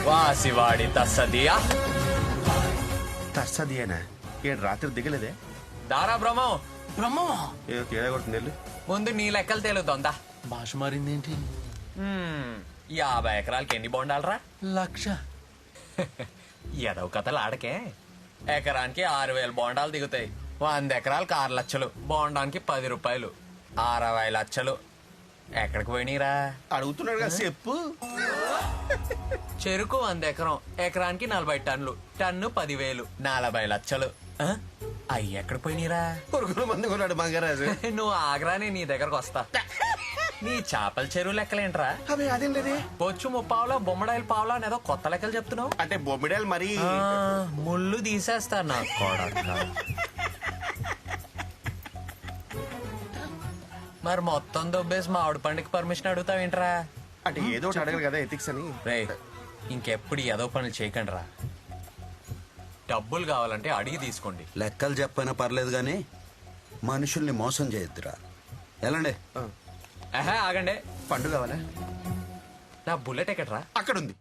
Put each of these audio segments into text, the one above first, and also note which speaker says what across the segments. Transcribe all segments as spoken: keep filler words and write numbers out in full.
Speaker 1: వాసివాడి తస్సదియా
Speaker 2: తర్సదియేనా ఏడు రాత్రి దిగలేదే
Speaker 1: దారా బ్రహ్మం
Speaker 3: బ్రహ్మమా
Speaker 2: ఏదో తేడా కొడుతుంది.
Speaker 1: ముందు నీ లెక్కలు తేలుతోందా
Speaker 3: భాష మారిందేంటి?
Speaker 1: యాభై ఎకరాలకి ఎన్ని బొండాలరా?
Speaker 3: లక్ష.
Speaker 1: ఎదవ కథలు ఆడకే. ఎకరానికి ఆరు వేల బోండాలు దిగుతాయి. వంద ఎకరాలకు ఆరు లక్షలు, బోండానికి పది రూపాయలు, అరవై లక్షలు. ఎక్కడికి పోయినీరా?
Speaker 2: అడుగుతున్నాడు కదా చెప్పు.
Speaker 1: చెరుకు వంద ఎకరం, ఎకరానికి నలభై టన్నులు, టన్ను పదివేలు, నలభై లక్షలు. ఆ? అయ్యి ఎక్కడికి పోయినీరా?
Speaker 2: పురుగుల మంది కొన్నాడు మంగరాజు.
Speaker 1: నువ్వు ఆగ్రానే నీ దగ్గరకు వస్తా. నీ చేపల చెరువు లెక్కలేంట్రా?
Speaker 2: అవి అదేం లేదే.
Speaker 1: బొచ్చు ముప్పావులా బొమ్మడాయిల పావులా అనేదో కొత్త లెక్కలు చెప్తున్నావు.
Speaker 2: అంటే బొమ్మిడాలు మరి
Speaker 1: ఆ, ముళ్ళు తీసేస్తారు నా కొడక. మరి మొత్తం దొబ్బేసి మా ఆవిడ పండుగ పర్మిషన్ అడుగుతావేంట్రా?
Speaker 2: అంటే ఏదో ఒకటి అడగరు కదా ఎథిక్స్ అని.
Speaker 1: రే, ఇంకెప్పుడు ఏదో పనులు చేయకండి రా. డబ్బులు కావాలంటే అడిగి తీసుకోండి.
Speaker 4: లెక్కలు చెప్పైనా పర్లేదు గాని మనుషుల్ని మోసం చేయొద్దురా. ఎలాండే
Speaker 1: ఆహా, ఆగండి.
Speaker 2: పండు కావాలా?
Speaker 1: నా బుల్లెట్ ఎక్కడ్రా?
Speaker 2: అక్కడ ఉంది.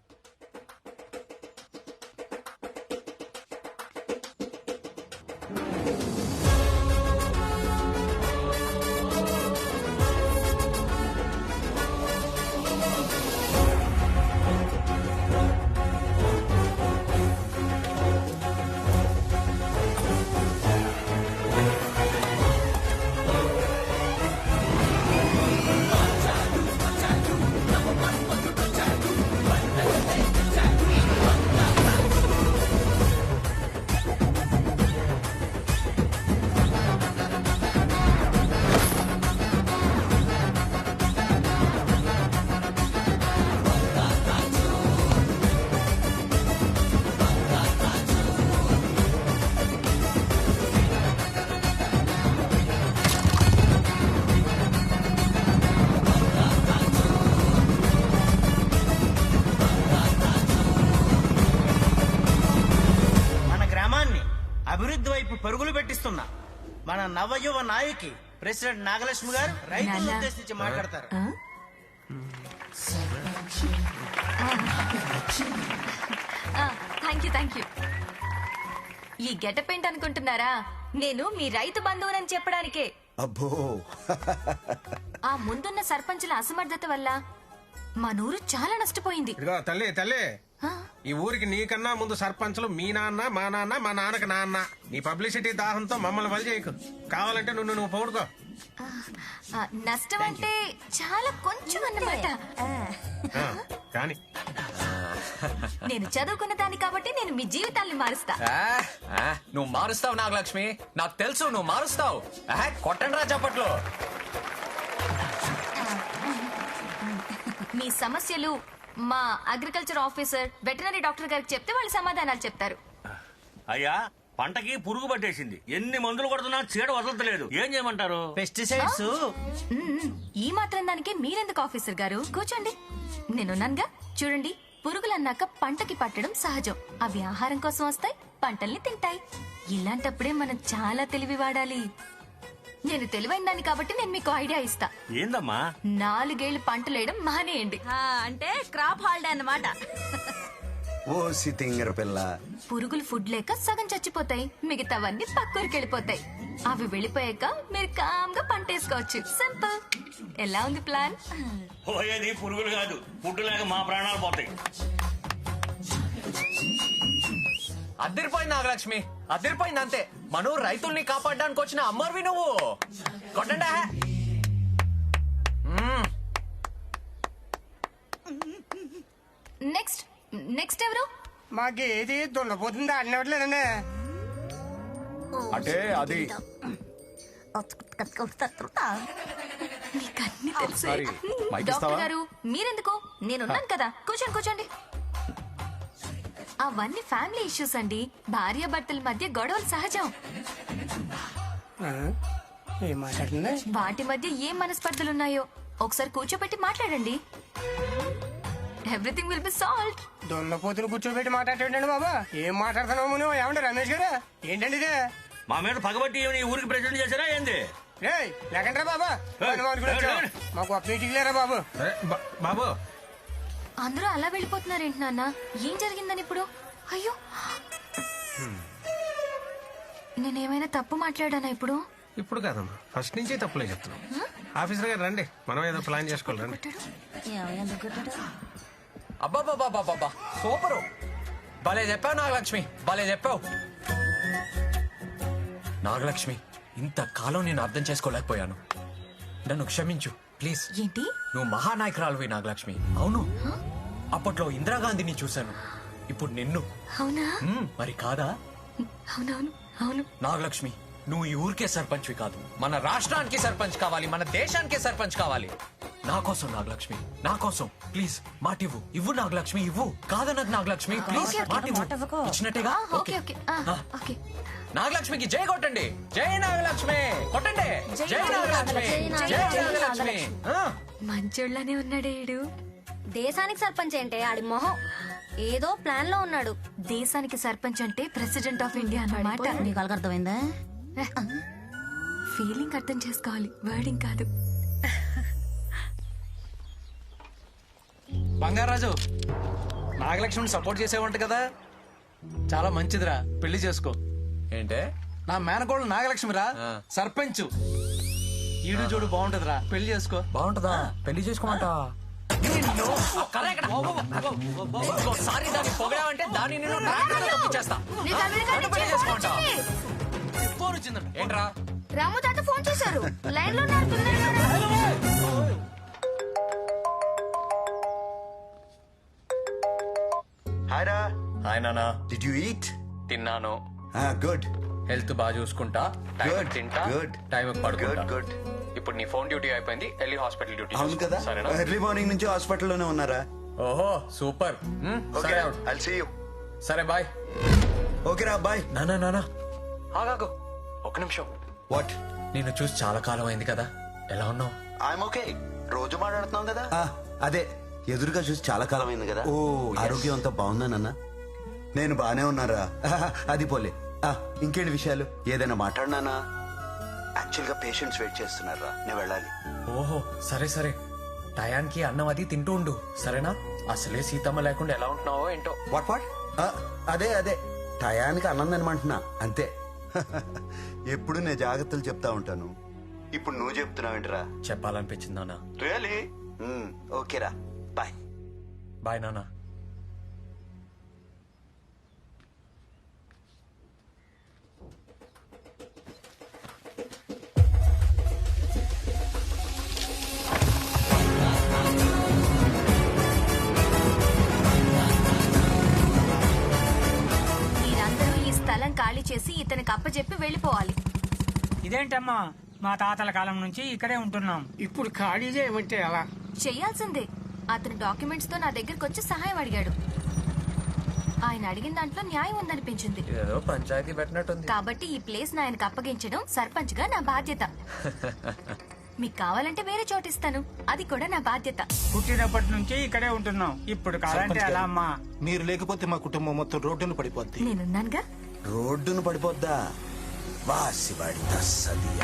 Speaker 5: అభివృద్ధి వైపు పరుగులు పెట్టిస్తున్నా మన నవయువ నాయకి ప్రెసిడెంట్ నాగలక్ష్మి గారు రైతులను ఉద్దేశించి మాట్లాడతారు.
Speaker 6: Thank you thank you. ఈ గెటప్ ఏంటి అనుకుంటున్నారా? నేను మీ రైతు బంధువునని చెప్పడానికే.
Speaker 4: అబ్బో,
Speaker 6: ఆ ముందున్న సర్పంచుల అసమర్థత వల్ల మా నూరు చాలా నష్టపోయింది.
Speaker 7: ఇదిగో తల్లి తల్లి,
Speaker 6: ఆ?
Speaker 7: ఈ ఊరికి నీకన్నా ముందు సర్పంచులు మీ నాన్న, మా నాన్న, మా నాన్నకి నాన్న. నీ పబ్లిసిటీ దాహంతో మమ్మల్ని వలి చేయకు. కావాలంటే నువ్వు నువ్వు పౌడుకో.
Speaker 6: ఆ, నష్టం అంటే చాలా కొంచెం అన్నమాట.
Speaker 7: ఆ, కానీ
Speaker 6: నేను చదువుకున్న దాన్ని కాబట్టి నేను మీ జీవితాల్ని మారుస్తా.
Speaker 1: ఆ, ఆ, నువ్వు మారుస్తావు నాగలక్ష్మి, నాకు తెలుసు నువ్వు మారుస్తావు. కొట్టండి రా చప్పట్లు.
Speaker 6: మీ సమస్యలు మా అగ్రికల్చర్ ఆఫీసర్, వెటనరీ డాక్టర్ గారికి చెప్తే వాళ్ళు సమాధానాలు చెప్తారు.
Speaker 8: అయ్యా, పంటకి పురుగు పట్టేసింది. ఎన్ని మందులు కొడుతున్నా చీడ వదలట్లేదు. ఏం చేయమంటారు?
Speaker 5: పెస్టిసైడ్స్.
Speaker 6: మ్మ్. ఈ మాత్రం దానికి మీరెందుకు ఆఫీసర్ గారు? కూర్చోండి, నేనున్నానుగా. చూడండి, పురుగులన్నాక పంటకి పట్టడం సహజం. అవి ఆహారం కోసం వస్తాయి, పంటల్ని తింటాయి. ఇలాంటప్పుడే మనం చాలా తెలివి వాడాలి. నేను తెలివైన దాన్ని కాబట్టి నేను మీకు ఐడియా ఇస్తా.
Speaker 8: ఏందమ్మా?
Speaker 6: నాలుగేళ్లు పంటలేయడం మానేయండి.
Speaker 9: అంటే క్రాప్ హాలిడే అన్నమాట.
Speaker 4: ఓ సితింగర పిల్ల.
Speaker 6: పురుగులు ఫుడ్ లేక సగం చచ్చిపోతాయి, మిగతావన్నీ పక్కూరికి వెళ్ళిపోతాయి. అవి వెళ్ళిపోయాక మీరు కామ్గా పంట వేసుకోవచ్చు. సింపుల్. ఎలా ఉంది ప్లాన్?
Speaker 8: పోయేది పురుగులు కాదు, ఫుడ్ లేక మా ప్రాణాలు పోతాయి.
Speaker 1: అద్దరిపోయింది నాగలక్ష్మి, అద్దరిపోయింది అంతే. మనం రైతుల్ని కాపాడడానికి వచ్చిన అమ్మర్వి నువ్వు. కొట్టండా.
Speaker 6: నెక్స్ట్ నెక్స్ట్ ఎవరు?
Speaker 7: మాకేది దున్నపోతుందా అన్నట్లేదండి.
Speaker 2: అంటే అది
Speaker 6: మీకు అన్ని తెలుసు.
Speaker 2: సారీ, మైక్ ఇస్తావా?
Speaker 6: డాక్టర్ గారు మీరెందుకు? నేనున్నాను కదా. కూర్చోండి కూర్చోండి. అవన్నీ ఫ్యామిలీ ఇష్యూస్ అండి. భార్య భర్తల మధ్య గొడవలు సహజం.
Speaker 7: ఏం మాట్లాడుతుంది?
Speaker 6: వాటి మధ్య ఏం మనస్పర్ధలున్నాయో ఒకసారి కూర్చోబెట్టి మాట్లాడండి. Everything will be solved.
Speaker 7: దున్నపోతులు కూర్చోబెట్టి మాట్లాడేటండి బాబా. ఏం మాట్లాడుతున్నావు నువ్వు? ఏమంటే రమేష్ గారు ఏంటండి ఇదే?
Speaker 8: మా మీద పగబట్టి ఈ ఊరికి ప్రెసిడెంట్ చేశారా ఏంది?
Speaker 7: లేకంటారా బాబా? మాకు అప్డేట్ లేరా బాబు? బాబు
Speaker 6: అందరూ అలా వెళ్ళిపోతున్నారేంటి నాన్న? ఏం జరిగిందని ఇప్పుడు? అయ్యో, నేనేమైనా తప్పు మాట్లాడానా ఇప్పుడు?
Speaker 7: ఇప్పుడు కాదమ్మా, ఫస్ట్ నుంచి తప్పులే చెప్తున్నాం. ఆఫీసర్ గారు రండి, మనం ఏదో ప్లాన్ చేసుకోవాలి రండి.
Speaker 1: అబ్బాబాబాబాబా సూపరు, భలే చెప్పావు నాగలక్ష్మి, భలే చెప్పావు. నాగలక్ష్మి, ఇంతకాలం నేను అర్థం చేసుకోలేకపోయాను, నన్ను క్షమించు ప్లీజ్.
Speaker 6: ఏంటి?
Speaker 1: నువ్వు మహానాయకురాలువి నాగలక్ష్మి. అవును, అప్పట్లో ఇందిరాగాంధీని చూశాను, ఇప్పుడు నిన్ను.
Speaker 6: అవునా?
Speaker 1: మ్మ్, మరి కాదా?
Speaker 6: అవునవును, అవును.
Speaker 1: నాగలక్ష్మి, నువ్వు ఈ ఊరికే సర్పంచ్వి కాదు, మన రాష్ట్రానికి సర్పంచ్ కావాలి, మన దేశానికే సర్పంచ్ కావాలి. నా కోసం నాగలక్ష్మి, నా కోసం ప్లీజ్ మాటివ్వు. ఇవ్వు నాగలక్ష్మి, ఇవ్వు. కాదన్నది నాగలక్ష్మి, ప్లీజ్
Speaker 6: ఓకే, ఓకే.
Speaker 1: మాటివ్వు. ఇచ్చినట్టేగా?
Speaker 6: ఆ, ఓకే ఓకే ఆ,
Speaker 1: ఆ.
Speaker 6: ఓకే.
Speaker 1: నాగలక్ష్మికి జై కొట్టండి, జై నాగలక్ష్మి కొట్టండి, జై నాగలక్ష్మి, జై నాగలక్ష్మి. ఆ.
Speaker 6: మంచోళ్ళనే ఉన్నాడే ఈడు.
Speaker 9: దేశానికి సర్పంచ్ ఏంటే ఆడి మొహం ఏదో ప్లాన్ లో ఉన్నాడు.
Speaker 6: దేశానికి సర్పంచ్ అంటే ప్రెసిడెంట్ ఆఫ్ ఇండియా అన్నమాట.
Speaker 9: నీకు అర్థమైందా?
Speaker 6: ఫీలింగ్ అర్థం చేసుకోవాలి, వర్డింగ్ కాదు.
Speaker 3: బంగారాజు, నాగలక్ష్మిని సపోర్ట్ చేసేవంట కదా, చాలా మంచిదిరా, పెళ్లి చేసుకో.
Speaker 1: ఏంటే?
Speaker 3: నా మేనకోళ్ళు నాగలక్ష్మిరా,
Speaker 1: ఆ.
Speaker 3: సర్పంచ్. ఈడు చూడు బాగుంటదిరా, పెళ్లి చేసుకో.
Speaker 1: బాగుంటుందా? పెళ్లి చేసుకోమంట. ఇంకోసారి దాన్ని పొగడావంటే దాన్ని నేను ట్రాక్టర్లో తొక్కించేస్తా. నన్ను పెళ్లి చేసుకోమంటా?
Speaker 3: ఫోన్ వచ్చిందంట.
Speaker 1: ఏంట్రా?
Speaker 6: రాము తాత ఫోన్ చేశారు, లైన్ లో ఉన్నారు, తొందరగా రా.
Speaker 4: హాయ్ రా.
Speaker 1: హాయ్ నానా.
Speaker 4: Did you eat?
Speaker 1: తిన్నాను.
Speaker 4: గుడ్.
Speaker 1: హెల్త్ బాగా చూసుకుంటా, టైం
Speaker 4: Good,
Speaker 1: తింటా,
Speaker 4: good.
Speaker 1: టైం పడుకుంటా.
Speaker 4: Good good.
Speaker 1: ఇప్పుడు నీ ఫోన్ డ్యూటీ అయిపోయింది, వెళ్ళి హాస్పిటల్ డ్యూటీ
Speaker 4: అవును
Speaker 1: చూసుకో.
Speaker 4: కదా,
Speaker 1: సరేనా?
Speaker 4: ఎర్లీ మార్నింగ్ నుంచి హాస్పిటల్లోనే ఉన్నారా?
Speaker 1: ఓహో సూపర్. మ్, సరే అవుట్.
Speaker 4: I'll see you.
Speaker 1: సరే బాయ్.
Speaker 4: ఓకే రా, బాయ్.
Speaker 1: నానా నానా ఆగాగు ఒక నిమిషం.
Speaker 4: వాట్?
Speaker 1: నిన్ను చూసి చాలా కాలం అయింది కదా, ఎలా ఉన్నావు?
Speaker 4: I'm okay. రోజు మాట్లాడుతున్నాం కదా. అదే, ఎదురుగా చూసి చాలా కాలం అయింది కదా. ఓ, ఆరోగ్యం అంతా బాగుందా నాన్న? నేను బానే ఉన్నారా. అది పోలే. ఆ, ఇంకేంటి విషయాలు? ఏదైనా మాట్లాడినానా? యాక్చువల్ గా పేషెంట్స్ వెయిట్ చేస్తున్నారా, నేను వెళ్ళాలి.
Speaker 1: ఓహో సరే సరే, టయానికి అన్నం అది తింటూ ఉండు, సరేనా? అసలే సీతమ్మ లేకుండా ఎలా ఉంటున్నావో ఏంటో.
Speaker 4: What what? అదే అదే, టయానికి అన్నం తినమంటున్నా అంతే. ఎప్పుడు నేను జాగ్రత్తలు చెప్తా ఉంటాను, ఇప్పుడు నువ్వు చెప్తున్నావేంటిరా?
Speaker 1: చెప్పాలనిపించింది నాన్న.
Speaker 4: రియలీ? ఓకేరా, బాయ్.
Speaker 1: బాయ్ నాన్న.
Speaker 6: మీరందరూ ఈ స్థలం ఖాళీ చేసి ఇతనికి అప్పచెప్పి వెళ్ళిపోవాలి.
Speaker 5: ఇదేంటమ్మా, మా తాతల కాలం నుంచి ఇక్కడే ఉంటున్నాం, ఇప్పుడు ఖాళీ చేయమంటే ఎలా?
Speaker 6: చెయ్యాల్సిందే. అతను డాక్యుమెంట్స్ తో నా దగ్గరకు వచ్చి సహాయం అడిగాడు. ఆయన అడిగిన దాంట్లో న్యాయం ఉందనిపించింది,
Speaker 1: ఇదేదో పంచాయతీ పెట్టినట్టుంది.
Speaker 6: కాబట్టి ఈ ప్లేస్ ఆయనకు అప్పగించడం సర్పంచ్ గా నా బాధ్యత. మీకు కావాలంటే వేరే చోటు ఇస్తాను, అది కూడా నా బాధ్యత.
Speaker 5: పుట్టినప్పటి నుంచి ఇక్కడే ఉంటున్నాం, ఇప్పుడు కావాలంటే ఎలా అమ్మా?
Speaker 3: మీరు లేకపోతే మా కుటుంబం మొత్తం రోడ్డును పడిపోద్ది.
Speaker 6: నేనున్నానుగా.
Speaker 4: రోడ్డును పడిపోద్దా? వాసివాడి తస్సదియ.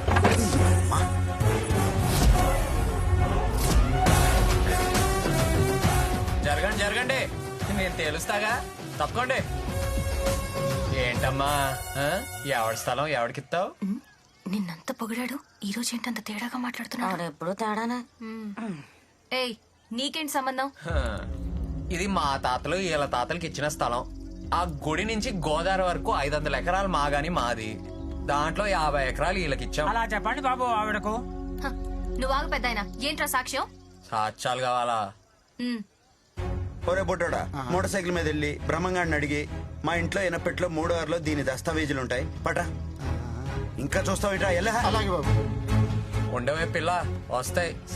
Speaker 1: జరగండి జరగండి, నేను తేలుస్తాగా, తప్పకోండి. ఏంటమ్మా, ఆ? ఎవడి స్థలం ఎవడికిస్తావు?
Speaker 6: ఉమ్, నిన్నంత పొగిడాడు, ఈ రోజు ఏంటంత తేడాగా మాట్లాడుతున్నాడు?
Speaker 9: ఎప్పుడు తేడానా?
Speaker 6: ఏయ్, నీకేంటి సంబంధం?
Speaker 1: హ, ఇది మా తాతలు వీళ్ళ తాతలకి ఇచ్చిన స్థలం. ఆ గుడి నుంచి గోదావరి వరకు ఐదు వందల ఎకరాలు మాగాని మాది, దాంట్లో యాభై ఎకరాలు వీళ్ళకి ఇచ్చాం.
Speaker 5: అలా చెప్పండి బాబు ఆవిడకు.
Speaker 6: హ, నువ్వు ఆగు పెద్దాయన, ఏంట్రా సాక్ష్యం?
Speaker 1: సాక్ష్యాలు కావాలా?
Speaker 6: ఉమ్,
Speaker 4: ఒరే బొడ్డోడా, మోటార్ సైకిల్ మీద వెళ్ళి బ్రహ్మంగాడిని అడిగి, మా ఇంట్లో ఎనపెట్లో మూడో ఆరులో దీని దస్తావేజులు ఉంటాయి, పట. ఇంకా చూస్తావు ఇట్రా, ఎలా?
Speaker 3: అలాగే బాబు.
Speaker 1: ఉండవే పిల్ల, వస్తాయి.